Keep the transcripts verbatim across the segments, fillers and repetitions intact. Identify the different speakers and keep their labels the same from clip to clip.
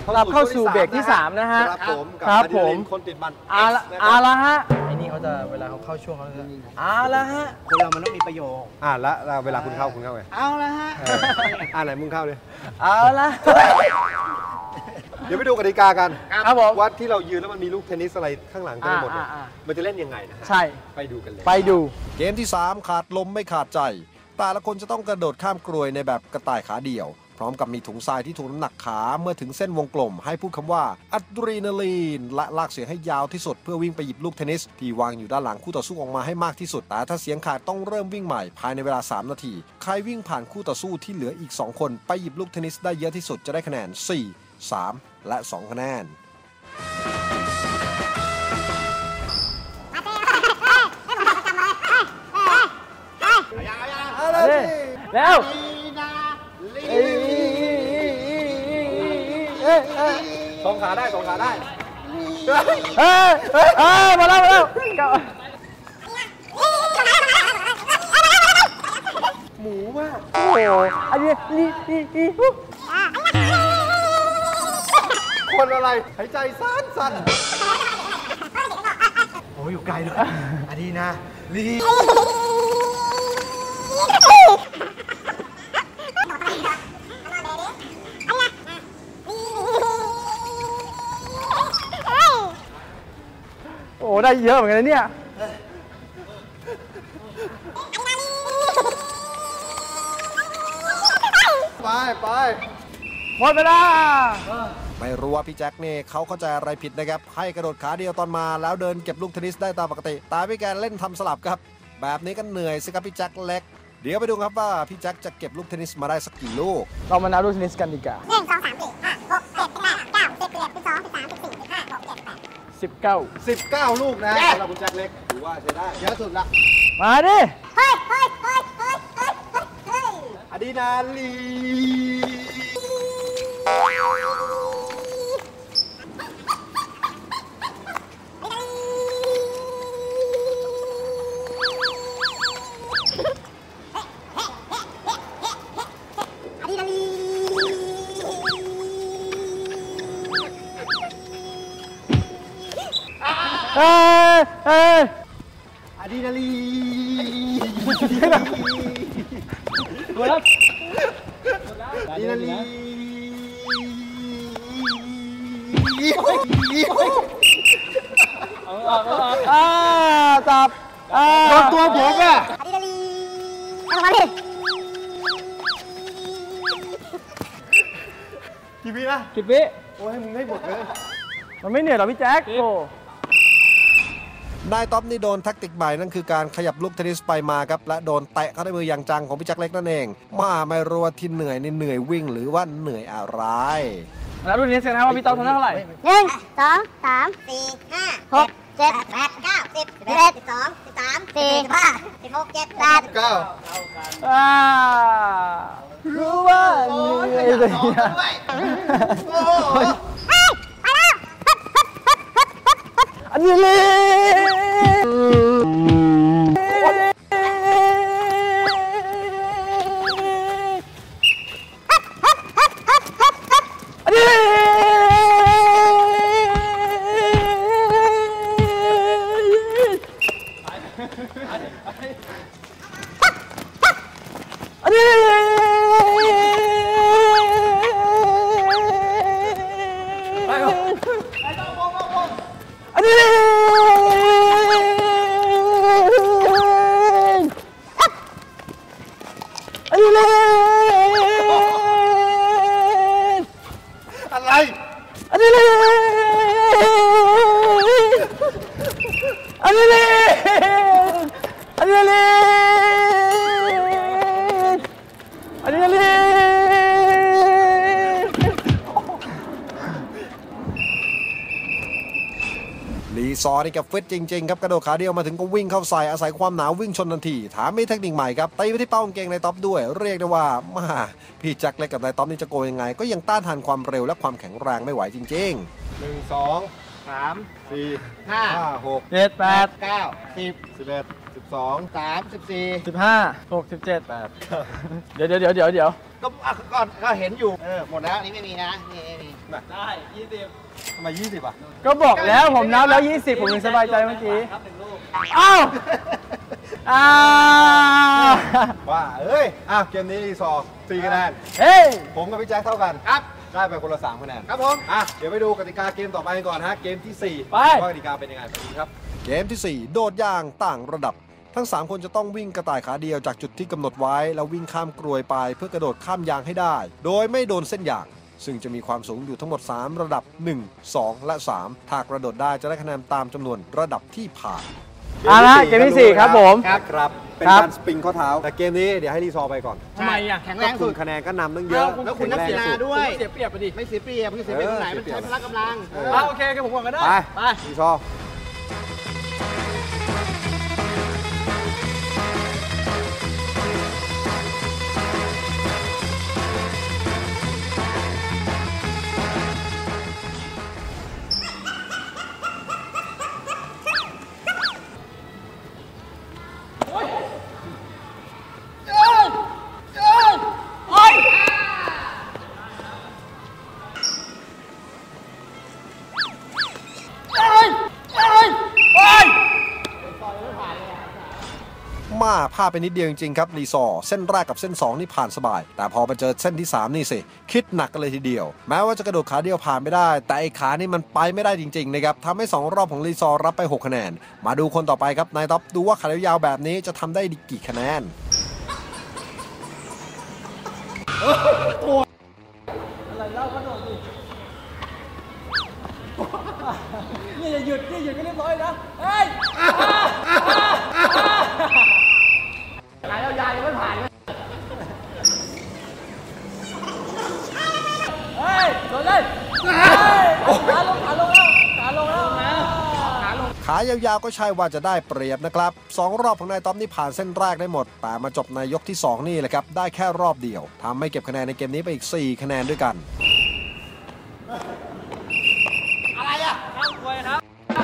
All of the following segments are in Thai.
Speaker 1: กลับเข้าสู่เบรกที่สามนะฮะ
Speaker 2: ครับผม
Speaker 1: ครับผม
Speaker 2: คนติดมัน
Speaker 1: อาละอาละฮะไอ้นี่เขาจะเวลาเขาเข้าช่วงเขาจะอาละฮะ
Speaker 3: คนเรามันต้องมีประโยค
Speaker 2: อ่าละเวลาคุณเข้าคุณเข้าไง
Speaker 3: เอาละฮะ
Speaker 2: อ่าไหนมึงเข้าเลย
Speaker 1: เอาละ
Speaker 2: เดี๋ยวไปดูกติกากัน
Speaker 1: ครับผม
Speaker 2: วัดที่เรายืนแล้วมันมีลูกเทนนิสอะไรข้างหลังเต็มหมดมันจะเล่นยังไงนะ
Speaker 1: ใช่
Speaker 2: ไปดูกันเลย
Speaker 1: ไปดู
Speaker 4: เกมที่สามขาดลมไม่ขาดใจแต่ละคนจะต้องกระโดดข้ามกรวยในแบบกระต่ายขาเดี่ยวพร้อมกับมีถุงทรายที่ถ่วงน้ำหนักขาเมื่อถึงเส้นวงกลมให้พูดคำว่าอะดรีนาลีนและลากเสียงให้ยาวที่สุดเพื่อวิ่งไปหยิบลูกเทนนิสที่วางอยู่ด้านหลังคู่ต่อสู้ออกมาให้มากที่สุดแต่ถ้าเสียงขาดต้องเริ่มวิ่งใหม่ภายในเวลาสามนาทีใครวิ่งผ่านคู่ต่อสู้ที่เหลืออีกสองคนไปหยิบลูกเทนนิสได้เยอะที่สุดจะได้คะแนนสี่ สามและสองคะแนน
Speaker 1: แล้ว
Speaker 2: สองขาได้สองขาได้
Speaker 1: เฮ้ยเฮ้ยมาแล้วมาแล้ว
Speaker 2: หมูมาก
Speaker 1: โอ้โหอันนี้นี่นี่นี่
Speaker 2: คนอะไรหายใจสั้นสั้น
Speaker 3: โอ้อยู่ไกลเลยอันนี้นะลี
Speaker 1: โอ้ได้เยอะเหมือนกันนะเนี่ย
Speaker 2: ไปไป
Speaker 1: หมดเวลา
Speaker 4: ไม่รู้ว่าพี่แจ็คเนี่ยเขาเข้าใจอะไรผิดนะครับให้กระโดดขาเดียวตอนมาแล้วเดินเก็บลูกเทนนิสได้ตามปกติแต่พี่แกเล่นทำสลับครับแบบนี้ก็เหนื่อยสิครับพี่แจ็คเล็กเดี๋ยวไปดูครับว่าพี่แจ็คจะเก็บลูกเทนนิสมาได้สักกี่ลูก
Speaker 1: เรามานับลูกเทนนิสกันดีกว่า
Speaker 5: หนึ่งสองสามสี่ห้าหกเจ็ดแปดเก้าสิบสิบเอ็ดสิบสองสิบสามสิบสี่สิบห้าหกเจ็ดแปด
Speaker 1: สิบเก้า
Speaker 2: สิบเก้าลูกนะสำหรับคุณแจ็คเล็กถือว่าใช้ได้
Speaker 3: เยอะสุดละ
Speaker 1: มาดิ
Speaker 5: เฮ้ยเฮ้ยเฮ้ยเฮ้ยเฮ้ยเฮ้ย
Speaker 2: อะดรีนาลี
Speaker 1: เอ้ยเอ้ย
Speaker 2: อะดรีนาลี
Speaker 1: หมดแล้ว
Speaker 2: อะดรีนาลี
Speaker 1: อ่าจับอ่า
Speaker 2: โดนตัวผมอ่ะ
Speaker 5: อะดรีนาลีเอามาดิ
Speaker 2: กี่วินะ
Speaker 1: กี่วิ
Speaker 2: โอ้ให้มึงให้หมดเลย
Speaker 1: มันไม่เหนื่อยหรอพี่แจ็คโอ้
Speaker 4: นายท็อปนี่โดนแท็กติกใหม่นั่นคือการขยับลูกเทนนิสไปมาครับและโดนเตะเข้าด้วยมืออย่างจังของพี่แจ็คเล็กนั่นเองมาไม่รู้ว่าที่เหนื่อยนี่เหนื่อยวิ่งหรือว่าเหนื่อยอะไร
Speaker 1: แล้วรุ่นนี้เสร็จแล้วว่าพี่ต๊อบทำได้เท่าไหร่
Speaker 5: หนึ่งสองสามสี่ห้าหกเจ็ดแปดเก้าสิบสิบเอ็ดสิบสองสิบสามสี่สิบห้าสิบหกเจ็ดแปด
Speaker 2: เก้า
Speaker 1: อ่ารู้ว่าเหนื่อยเลยอันนี้เลยอันนี้อันนี้อันนี้อันนี้เลย
Speaker 2: อะไร
Speaker 1: อันนี้เลยอันนี้เลยอันนี้เลยอันนี้เลย
Speaker 4: ลีซอร์นี่กับฟิตจริงๆครับกระโดดขาเดียวมาถึงก็วิ่งเข้าใส่อาศัยความหนาววิ่งชนทันทีถามมีเทคนิคใหม่ครับตีไปที่เป้ากางเกงในท็อปด้วยเรียกได้ว่ามาพี่แจ็คเล็กกับนายท็อปนี่จะโกยยังไงก็ยังต้านทานความเร็วและความแข็งแรงไม่ไหวจริง
Speaker 2: ๆหนึ่งสองสามสี่ห้าหก
Speaker 1: เจ็ดแปด
Speaker 3: เก้าสิบ
Speaker 2: สิบเอ็ดสิบสอง
Speaker 3: สามสิบสี่
Speaker 1: สิบห้าหกสิบเจ็ดแปดเดี๋ยวเดี๋ยวเดี๋ยวเดี๋ยว
Speaker 3: ก็ก่อนก็เห็นอยู่เออหมดแล้วนี่ไม่มีนะนี่ไม่มี
Speaker 1: ได้ยี่สิบ
Speaker 2: ทำไมยี่สิบอ่ะ
Speaker 1: ก็บอกแล้วผมนับแล้วยี่สิบผมยังสบายใจเมื่อกี้อ้าวอ้าว
Speaker 2: ว่าเอ้ยอ่ะเกมนี้รีซอร์สี่คะแนน
Speaker 1: เฮ้ย
Speaker 2: ผมกับพี่แจ็คเท่ากัน
Speaker 3: ครับ
Speaker 2: ได้ไปคนละสามคะแนน
Speaker 3: ครับผม
Speaker 2: อ่ะเดี๋ยวไปดูกติกาเกมต่อไปกันก่อนฮะเกมที่สี่
Speaker 1: ไป
Speaker 2: ว่ากติกาเป็นยังไงไปดูครับ
Speaker 4: เกมที่สี่โดดยางต่างระดับ ทั้งสามคนจะต้องวิ่งกระต่ายขาเดียวจากจุดที่กำหนดไว้แล้ววิ่งข้ามกรวยไปเพื่อกระโดดข้ามยางให้ได้ โดยไม่โดนเส้นยางซึ่งจะมีความสูงอยู่ทั้งหมดสามระดับหนึ่ง สอง และสามถ้ากระโดดได้จะได้คะแนนตามจำนวนระดับที่ผ่าน
Speaker 1: เอาละเกมที่สี่ครับผม
Speaker 2: ครับครับเป็น
Speaker 1: ครับ
Speaker 2: การสปริงข้อเท้าแต่เกมนี้เดี๋ยวให้รีซอร์ไปก่อน
Speaker 1: ทำไมอ่ะ
Speaker 3: แข็งแรงสุด
Speaker 2: คะแนนก็นำตั้งเยอะ
Speaker 3: แล้วคุณนักกีฬาด้วย
Speaker 1: เสียเปรียบไปดิ
Speaker 3: ไม่เสียเปรียบไม่เสียเปรียบตรงไหนมันใช้พละกำลัง
Speaker 1: อ่าโอเคโอเคผมก่อนก็ได้
Speaker 2: ไป
Speaker 1: ไป
Speaker 2: รีซอร์
Speaker 4: มาพลาดไปนิดเดียวจริงๆครับรีซอร์เส้นแรกกับเส้นสองนี่ผ่านสบาย แต่พอมาเจอเส้นที่สามนี่สิคิดหนักกันเลยทีเดียวแม้ว่าจะกระโดดขาเดียวผ่านไม่ได้แต่ไอ้ขานี่มันไปไม่ได้จริงๆนะครับทำให้สองรอบของรีซอร์รับไปหกคะแนนมาดูคนต่อไปครับนายท็อปดูว่าขายาวๆแบบนี้จะทำได้กี่คะแนน
Speaker 1: อะไรเล่าก็โดนดินี่อย่าหยุดนี่หยุดก็เรียบร้อยนะเฮ้ยขายยาวๆยังไม่ผ่านเลยเฮ้ยโดนเลยขาลงขาลงแล้วขาลงแล้วนะขาลง
Speaker 4: ขายาวๆก็ใช่ว่าจะได้เปรียบนะครับสองรอบของนายท็อปนี่ผ่านเส้นแรกได้หมดแต่มาจบในยกที่สองนี่แหละครับได้แค่รอบเดียวทำให้เก็บคะแนนในเกมนี้ไปอีกสี่คะแนนด้วยกัน
Speaker 1: อะไรอ่ะข้ามควยครับ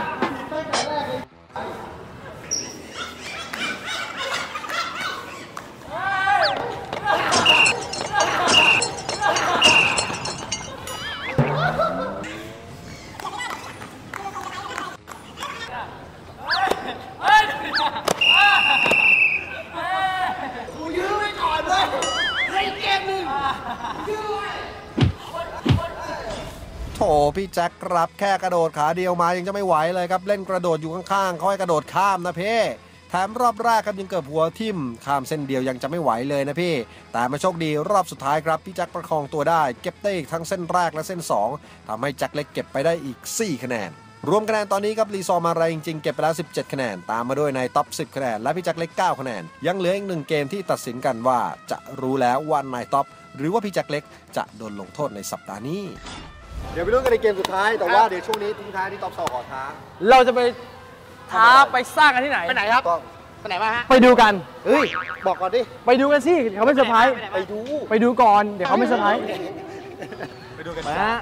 Speaker 4: โถพี่แจ็คครับแค่กระโดดขาเดียวมายังจะไม่ไหวเลยครับเล่นกระโดดอยู่ข้างๆเขาให้กระโดดข้ามนะเพ่แถมรอบแรกครับยังเกือบหัวทิ่มข้ามเส้นเดียวยังจะไม่ไหวเลยนะพี่แต่มาโชคดีรอบสุดท้ายครับพี่แจ็คประคองตัวได้เก็บได้อีกทั้งเส้นแรกและเส้นสองทำให้แจ็คเล็กเก็บไปได้อีกสี่คะแนนรวมคะแนนตอนนี้ครับรีซอร์มาแรงจริงๆเก็บไปแล้วสิบเจ็ดคะแนนตามมาด้วยในท็อปสิบคะแนนและพี่แจ็คเล็กเก้าคะแนนยังเหลืออีกหนึ่งเกมที่ตัดสินกันว่าจะรู้แล้วว่านายท็อปหรือว่าพี่แจ็คเล็กจะโดนลงโทษในสัปดาห์นี้
Speaker 2: เดี๋ยวไปลุ้นกันในเกมสุดท้ายแต่ว่าเดี๋ยวช่วงนี้ทิ้งท้ายที่ท็อปซอขอท้า
Speaker 1: เราจะไปท้าไปสร้างกันที่ไหน
Speaker 3: ไปไหนครับ
Speaker 2: ต้อง
Speaker 3: ไปไหนมาฮะ
Speaker 1: ไปดูกัน
Speaker 2: เฮ้ยบอกก่อนดิ
Speaker 1: ไปดูกันสิเขาไม่เซอร์ไพรส์
Speaker 2: ไปดู
Speaker 1: ไปดูก่อนเดี๋ยวเขาไม่เซอร์ไพรส์
Speaker 2: ไปดูกัน
Speaker 1: มา
Speaker 2: จ้า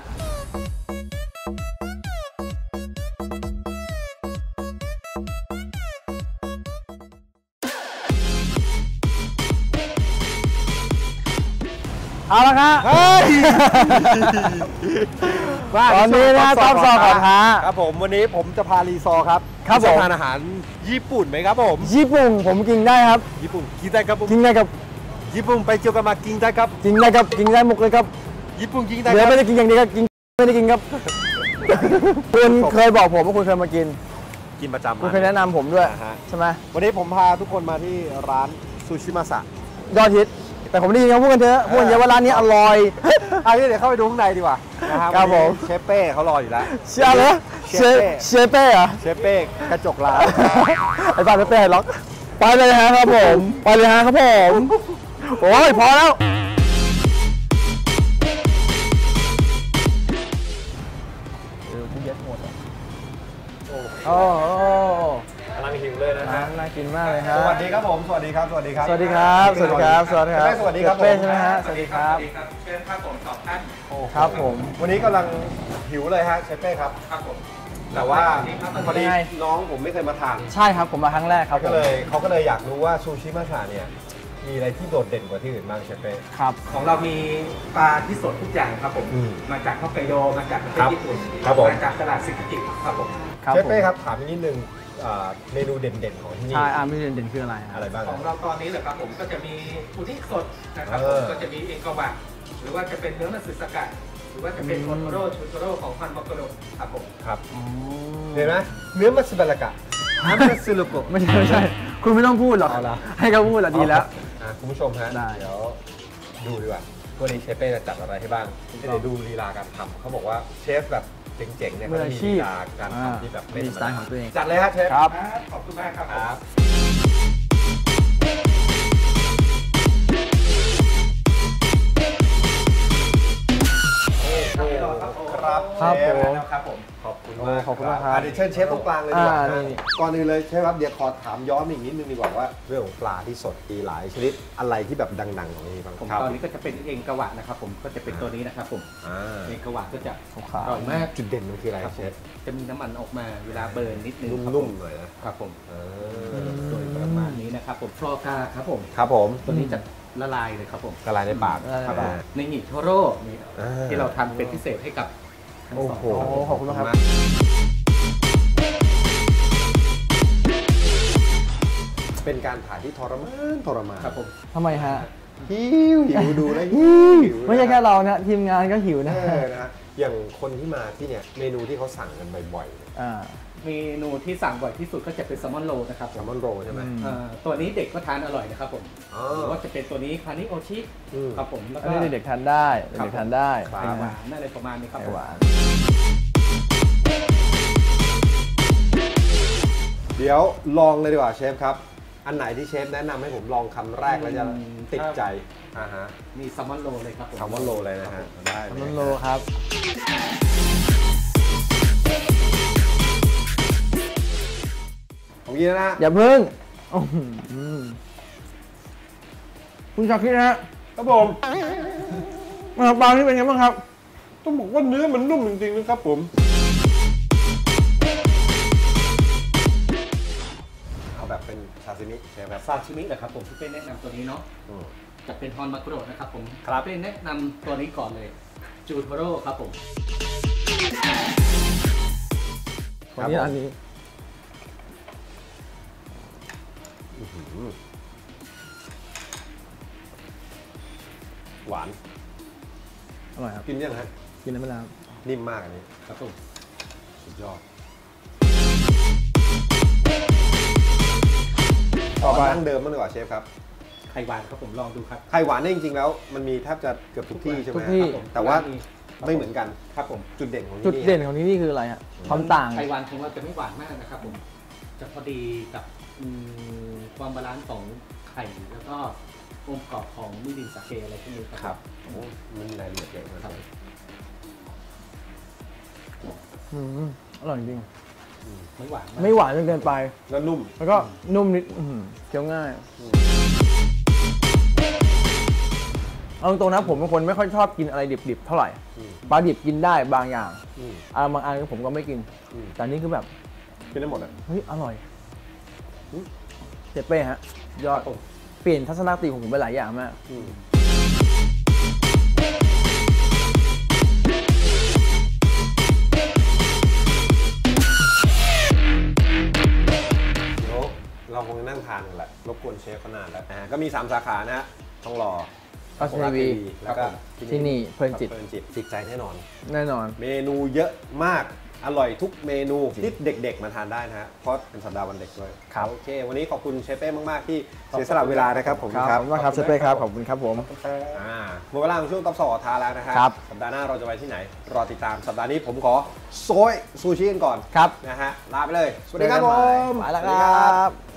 Speaker 1: เอาละครับ
Speaker 2: เฮ้ย
Speaker 1: ตอนนี้นะท็อปซอขอท้า
Speaker 2: ครับผมวันนี้ผมจะพารีซอร์ครับ
Speaker 1: ครับผม
Speaker 2: จะทานอาหารญี่ปุ่นไหมครับผม
Speaker 1: ญี่ปุ่นผมกินได้ครับ
Speaker 2: ญี่ปุ่นกินได้ครับผม
Speaker 1: กินได้กับ
Speaker 2: ญี่ปุ่นไปเจียวกันมากินได้ครับ
Speaker 1: กินได้กับกินได้หมกเลยครับ
Speaker 2: ญี่ปุ่นกินได้
Speaker 1: เดี๋
Speaker 2: ค
Speaker 1: ยว
Speaker 2: รับ
Speaker 1: ไม่ได้กินอย่างเดียวครับกินไม่ได้กินครับ คุณเคยบอกผมว่าคุณเคยมากิน
Speaker 2: กินประจำ
Speaker 1: คุณเคยแนะนำผมด้วย
Speaker 2: อ่าฮะ
Speaker 1: ใช่ไหม
Speaker 2: วันนี้ผมพาทุกคนมาที่ร้านซูชิมาสะ
Speaker 1: ยอดฮิตแต่ผมได้ยินเขาพูดกันเถอะพูดกันเยอะว่าร้านนี้อร่อย
Speaker 2: อันนี้เดี๋ยวเข้าไปดูข้างในดีกว่านะครับ
Speaker 1: ครับผม
Speaker 2: เชฟเป้เขารออยู่แล้ว
Speaker 1: เชื่อเลยเชฟเชฟเป้เหรอ
Speaker 2: เชฟเป้กระจกร้าน
Speaker 1: ไอ้บ้านเป้ล็อกไปเลยฮะครับผมไปเลยฮะครับผมโอ้ยพอแล้วโอ้โห
Speaker 2: กำลังหิวเลยนะฮะ
Speaker 1: น่ากินมากเลยฮะ
Speaker 2: สวัสดีครับผมสวัสดีครับสวัสดีครับ
Speaker 1: สวัสดีครับสวัสดีครับสวัสดีครับ
Speaker 2: สวัสดีครับ
Speaker 1: เป้ใช่ไหมฮะสวัสดีครับ
Speaker 6: เชิญครับผมสองท่าน
Speaker 1: ครับผม
Speaker 2: วันนี้กำลังหิวเลยฮะเชฟเป้ครับ
Speaker 6: ครับผม
Speaker 2: แต่ว่าพอดี
Speaker 1: ยังไง
Speaker 2: น้องผมไม่เคยมาทาน
Speaker 1: ใช่ครับผมมาครั้งแรกครับผ
Speaker 2: ก็
Speaker 1: ม
Speaker 2: เลยเขาก็เลยอยากรู้ว่าซูชิมาสะเนี่ยมีอะไรที่โดดเด่นกว่าที่อื่นบ้างเชฟเป้
Speaker 1: ครับ
Speaker 6: ของเรามีปลาที่สดทุกอย่างครับผม
Speaker 2: อืม
Speaker 6: มาจากฮอกไกโดมาจากประเท
Speaker 2: ครั
Speaker 6: ศ
Speaker 2: บ
Speaker 6: ญี่ปุ่น
Speaker 2: ครับผม
Speaker 6: มาจากตลาดซิกิครับผม
Speaker 1: ครับ
Speaker 2: เชฟเป้
Speaker 1: ผม
Speaker 2: ครับถามอีกนิดนึงอ่าเมนูเด่นๆของที่นี่
Speaker 1: ใช่อาร์มิเด่นๆคืออะไรฮะ
Speaker 2: อะไรบ้าง
Speaker 6: ของเราตอนนี้เหรอครับผมก็จะมีอุนิสดนะครับ
Speaker 2: เอ
Speaker 6: ผม
Speaker 2: อ
Speaker 6: ก็จะมีเอกวะหรือว่าจะเป็นเนื้อมัตสึสกัดหรือว่าจะเป็นโทโทโร่ชูโทโร่ของฮันมอกโกโดครับผม
Speaker 2: ครับเห็นไหมเนื้อมัตสึบะละกะฮัมมัตสึลุโกะ
Speaker 1: ไม่ใช่ไม่ใช่ คุณไม่ต้องพูดหรอก
Speaker 2: เอาละ
Speaker 1: ให้เขาพูดละดีแล้ว
Speaker 2: อ่ะคุณผู้ชมฮะ
Speaker 1: ได้
Speaker 2: เดี๋ยวดูดีกว่าวันนี้เชฟเป้จะจัดอะไรให้บ้างเดี๋ยวดูลีลาการทำเขาบอกว่าเชฟแบบเจ๋งๆเนี่ย
Speaker 1: มื
Speaker 2: เขา
Speaker 1: อ
Speaker 2: จะ
Speaker 1: อา
Speaker 2: มี
Speaker 1: ชี
Speaker 2: ลี
Speaker 1: พ
Speaker 2: ลาการ
Speaker 1: อ่า
Speaker 2: ทำที่แบบไม่
Speaker 1: มี
Speaker 2: ธรรม
Speaker 1: สไตล์
Speaker 2: ดา
Speaker 1: ของตัวเอง
Speaker 2: จัดเลยฮะเชฟ
Speaker 1: ครับ
Speaker 6: ขอบคุณมากครับ
Speaker 2: ครับ ครับ
Speaker 1: ครับ
Speaker 2: เชฟ
Speaker 1: ผม
Speaker 6: ครับผม
Speaker 2: ขอบคุณมาก
Speaker 1: ขอบคุณมากครับ
Speaker 2: อ่ะเดี๋ยวเชิญเชฟตรงกลางเลยดีกว่า
Speaker 1: อ่า
Speaker 2: ฮะ
Speaker 1: นี่
Speaker 2: ก่อนอื่นเลยเชฟครับเดี๋ยวขอถามย้อนอีกนิดนึงดีกว่าว่าเรื่องของปลาที่สดมีหลายชนิดอะไรที่แบบดังๆของนี่บ้าง
Speaker 6: ผม
Speaker 2: ครับ
Speaker 6: ตอนนี้ก็จะเป็นเองกวะนะครับผมก็จะเป็นตัวนี้นะครับผม
Speaker 2: อ่า
Speaker 6: เองกวะก็จะ
Speaker 1: ขาว
Speaker 6: อร่อยมาก
Speaker 2: จุดเด่นมันคืออะไร
Speaker 6: ครับ
Speaker 2: เช
Speaker 6: ผม
Speaker 2: ฟ
Speaker 6: จะมีน้ำมันออกมาเวลาเบิร์นนิดนึงครับผ
Speaker 2: นุ่มๆหน่อยนะครับ
Speaker 6: ผม
Speaker 2: เอ
Speaker 6: โดยประมาณนี้นะครับผมฟลอกาครับผม
Speaker 2: ครับผม
Speaker 6: ตัวนี้จะละลายเลยครับผม
Speaker 2: ละลายในปาก
Speaker 1: ละลายในปาก
Speaker 2: อ่
Speaker 6: ในหิโทโร่นี่
Speaker 2: อ่า
Speaker 6: ที่เราทำเป็นพิเศษให้กับทั้ง
Speaker 2: โอ้
Speaker 6: สอง
Speaker 2: โห
Speaker 1: โอ้ขอบคุณมากครับ
Speaker 2: เป็นการถ่ายที่ทรมานทรมาน
Speaker 6: ครับผม
Speaker 1: ทำไมฮะ
Speaker 2: หิวหิวดูแล้วหิวหิว
Speaker 1: ไม่ใช่แค่เรานะทีมงานก็หิวนะ
Speaker 2: เออนะฮะอย่างคนที่มาที่เนี่ยเมนูที่เขาสั่งกันบ่อยๆเนี่ย
Speaker 1: อ่า
Speaker 6: เมนูที่สั่งบ่อยที่สุดก็จะเป็นแซลมอนโรลนะครับ
Speaker 2: แซลมอนโรลใช่ไหม
Speaker 1: อืม
Speaker 6: เอ่อตัวนี้เด็กก็ทานอร่อยนะครับผม
Speaker 2: อ๋อ
Speaker 6: หรือว่าจะเป็นตัวนี้คานิโอชิ
Speaker 2: อืม
Speaker 6: ครับผมแล้ว
Speaker 1: อัน
Speaker 6: ก็
Speaker 1: นี้เด็กๆทานได้เด็กๆทานได้
Speaker 2: ครับ
Speaker 6: ไข่หวานอะไรประมาณนี้ครับ
Speaker 1: ไข่
Speaker 6: ผม
Speaker 1: หวาน
Speaker 2: เดี๋ยวลองเลยดีกว่าเชฟครับ อันไหนที่เชฟแนะนำให้ผมลองคำแรกแล้วจะติดใจอ่าฮะ
Speaker 6: มีแซลมอนโรลเลยครับผม
Speaker 2: แซลมอนโรลเลยนะฮะได้
Speaker 1: ข
Speaker 2: เล
Speaker 1: น
Speaker 2: ย
Speaker 1: มโลครับ
Speaker 2: ผมกินแล้วนะ
Speaker 1: อย่าเพิ่งอื้อหือคุณชาคิดนะฮะ
Speaker 2: ครับผม
Speaker 1: มาปลาที่เป็นไงบ้างครับ
Speaker 2: ต้องบอกว่าเนื้อมันนุ่มจริงๆนะครับผมเอาแบบเป็นซาซิมิใช่ไหมครับ
Speaker 6: ซาชิมิเหรอครับผมที่เป็นแนะนำตัวนี้เนาะ
Speaker 2: อืม
Speaker 6: จะเป็นฮอนมาโกโรนะครับผม
Speaker 2: ครับ
Speaker 6: เป็นแนะนำตัวนี้ก่อนเลยจูโทโร่ครับผม
Speaker 1: วันนี้อันนี้
Speaker 2: อื้อหือหวาน
Speaker 1: อร่อยครับ
Speaker 2: กินยังฮะ
Speaker 1: กินได้ไหมล่ะครับ
Speaker 2: นิ่มมากอันนี้
Speaker 6: ครับผม
Speaker 2: สุดยอด
Speaker 1: ต่อไป
Speaker 2: ดั้งเดิมมันดีกว่าเชฟครับ
Speaker 6: ไข่หวานครับผมลองดูครับ
Speaker 2: ไข่หวานเนี่ยจริงๆแล้วมันมีแทบจะเกือบทุกที่ใช่ไหม
Speaker 1: ทุกที่
Speaker 2: ครับผมแต่ว่าไม่เหมือนกัน
Speaker 6: ครับผม
Speaker 2: จุดเด่นของที่
Speaker 1: จุด
Speaker 2: นี่
Speaker 1: เด่นของที่นี่คืออะไรฮะความต่าง
Speaker 6: ไข่หวานของเราจะไม่หวานมากนะครับผมจะพอดีกับอืมความบาลานซ์ของไข่แล้วก็องค์ประกอบของมิรินสาเกอะไรพวกนี้ครับ
Speaker 2: ครับโอ้มันรายละเอียดเยอะมาก
Speaker 6: ครับ
Speaker 1: อืมอร่อยจริง
Speaker 6: ไม่หวานมาก
Speaker 1: ไม่หวานจนเกินไป
Speaker 2: แล้วนุ่ม
Speaker 1: แล้วก็นุ่มนิดอื้อหือเคี้ยวง่าย เอาตรงๆนะผมเป็นคนไม่ค่อยชอบกินอะไรดิบๆเท่าไหร่
Speaker 2: อืม
Speaker 1: ปลาดิบกินได้บางอย่าง
Speaker 2: อืม
Speaker 1: อ่าบางอันผมก็ไม่กิน
Speaker 2: อืม
Speaker 1: แต่อันนี้คือแบบ
Speaker 2: กินได้หมดอ่ะ
Speaker 1: เฮ้ยอร่อย
Speaker 2: อืม
Speaker 1: เจเป้ฮะ ยอดเปลี่ยนทัศนคติของผมไปหลายอย่างมาก
Speaker 2: อืมเดี๋ยวเราคงจะนั่งทานกันแหละรบกวนเชฟเขานานแล้วอ่าก็มีสามสาขานะฮะทองหล่อ
Speaker 1: พัชรี
Speaker 2: แล้วก็
Speaker 1: ที่นี่เพลินจิต
Speaker 2: เพลินจิตจิตใจแน่นอน
Speaker 1: แน่นอน
Speaker 2: เมนูเยอะมาก อร่อยทุกเมนูที่เด็กๆมาทานได้นะฮะ เพราะเป็นสัปดาห์วันเด็กด้วย
Speaker 1: ครับ
Speaker 2: โอเค วันนี้ขอบคุณเชฟเป้มากๆที่เสียสละเวลานะครับผม
Speaker 1: ครับ
Speaker 2: ค
Speaker 1: ข
Speaker 2: รั
Speaker 1: อ
Speaker 2: บบ
Speaker 1: คุณมากครับเจเป้ครับ ขอบคุณครับผม
Speaker 2: อ่าหมดเวลาของช่วงตอบสอบทาแล้วนะฮะ
Speaker 1: ครับ
Speaker 2: สัปดาห์หน้าเราจะไปที่ไหน รอติดตาม สัปดาห์นี้ผมขอโซยซูชิกันก่อน
Speaker 1: ครับ
Speaker 2: นะฮะ ลาไปเลย สวัสดีครับผม
Speaker 1: ไปแล้วครับ